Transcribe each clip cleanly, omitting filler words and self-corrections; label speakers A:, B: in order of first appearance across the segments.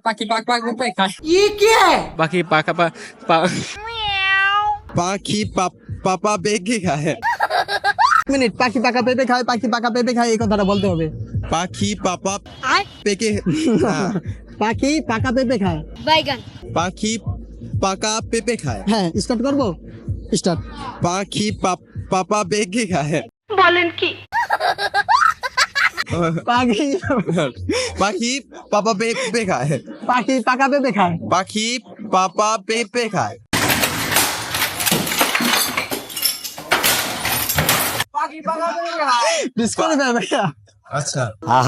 A: পাখি পাকা পেঁপে খায়।
B: পাখি পাকা
C: পাখি পাপা বেগে খায়।
D: মিনিট, পাখি পাকা পেঁপে খায়, পাখি পাকা পেঁপে খায়, এই কথাটা বলতে হবে।
C: পাখি পাপা পেকে
D: পাখি পাকা পেঁপে খায়।
C: পাখি পাকা পেঁপে খায়।
D: হ্যাঁ, স্টার্ট করবো, স্টার্ট।
C: পাখি পাপা বেগে খায়।
D: পাখি
C: পাখি পাপা পেঁপে খায়।
D: পাখি পাকা পেঁপে খায়।
C: পাখি পাপা পেঁপে খায়।
D: ডিসকোয়ালিফাই ভাইয়া।
C: আচ্ছা,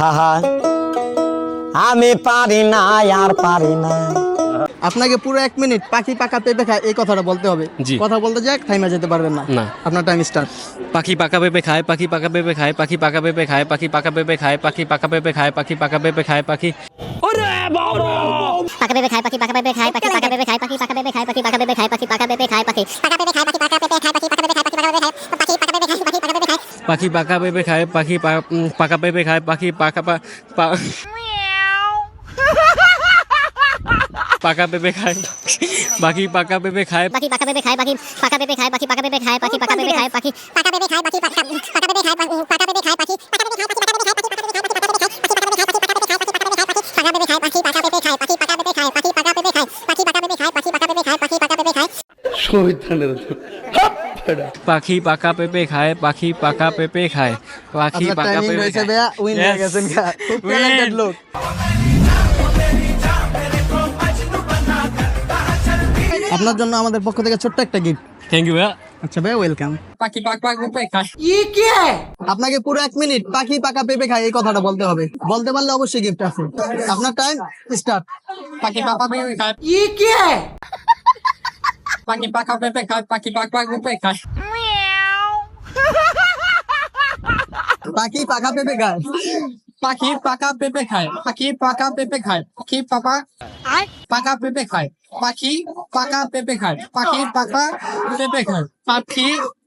E: আমি পারি না, আর পারি না।
D: আপনাকে পুরো 1 মিনিট পাখি পাকা পেঁপে খায় এই কথাটা বলতে হবে।
B: জি।
D: কথা বলতে যাক থাইমা যেতে পারবেন না।
B: না।
D: আপনার টাইম স্টার্ট।
B: পাখি পাকা পেঁপে খায়, পাখি পাকা পেঁপে খায়, পাখি পাকা পেঁপে খায়, পাখি পাকা পেঁপে খায়, পাখি পাকা পেঁপে খায়, পাখি পাকা পেঁপে খায়, পাখি
F: পাকা পেঁপে খায়, পাখি পাকা পেঁপে খায়, পাখি পাকা পেঁপে খায়, পাখি পাকা পেঁপে খায়, পাখি পাকা পেঁপে খায়, পাখি পাকা পেঁপে খায়, পাখি পাকা পেঁপে খায়, পাখি পাকা পেঁপে খায়, পাখি পাকা পেঁপে খায়, পাখি পাকা পেঁপে খায়, পাখি পাকা পেঁপে খায়, পাখি পাকা পেঁপে খায়।
B: পাখি পাকা পেঁপে খায়, পাখি পাকা পাকা পেঁপে খায়, পাখি পাকা পেঁপে খায়।
F: পাখি পাকা পেঁপে খায়, পাখি পাকা পেঁপে খায়, পাখি পাকা পেঁপে খায়, পাখি পাকা পেঁপে খায়, পাখি পাকা পেঁপে খায়, পাখি পাকা পেঁপে খায়, পাকা পেঁপে খায়, পাখি পাকা পেঁপে খায়, পাখি পাকা পেঁপে খায়, পাখি পাকা পেঁপে খায়, পাখি পাকা পেঁপে খায়, পাখি পাকা পেঁপে খায়, পাখি পাকা পেঁপে খায়, পাখি পাকা পেঁপে খায়, পাখি পাকা পেঁপে খায়, পাখি পাকা পেঁপে খায়, পাখি পাকা পেঁপে খায়, পাখি পাকা পেঁপে খায়।
B: পাখি পাকা পেঁপে খায়, পাখি পাকা পেঁপে খায়, পাখি
D: আপনার
B: পাকা
D: টাইমিং
B: পেঁপে
D: হয়েছে
B: খায়।
D: ভাইয়া, উইন হয়ে
B: Yes.
D: গেছেন। খুব ট্যালেন্টেড লোক। আপনার জন্য আমাদের পক্ষ থেকে ছোট্ট একটা গিফট।
B: থ্যাংক ইউ ভাইয়া।
D: আচ্ছা ভাইয়া, ওয়েলকাম।
A: পাখি পাকা পেঁপে খায়।
D: আপনাকে পুরো 1 মিনিট পাখি পাকা পেঁপে খায় এই কথাটা বলতে হবে। বলতে পারলে অবশ্যই গিফট আছে। আপনার টাইম স্টার্ট।
A: পাখি পাকা পেঁপে খায়। পাখি পাকা পেঁপে খায়, পাখি পাকা পেঁপে খায়।
D: পাখি পাকা পেঁপে খায়।
A: পাখি পাকা পেঁপে খায়, পাখি পাকা পেঁপে খায়, পাখি পাকা পেঁপে খায়, পাখি পাকা পেঁপে খায়, পাখি পাকা পেঁপে খায়, পাখি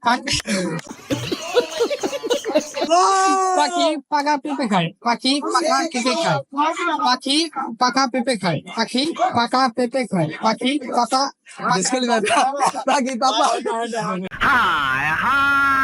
A: পাখি পাকা পেঁপে খায়, পাখি পাকা পেঁপে খায়, পাখি পাকা পেঁপে খায়, পাখি পাকা পেঁপে খায়, পাখি পাকা
D: পাখি পাপা।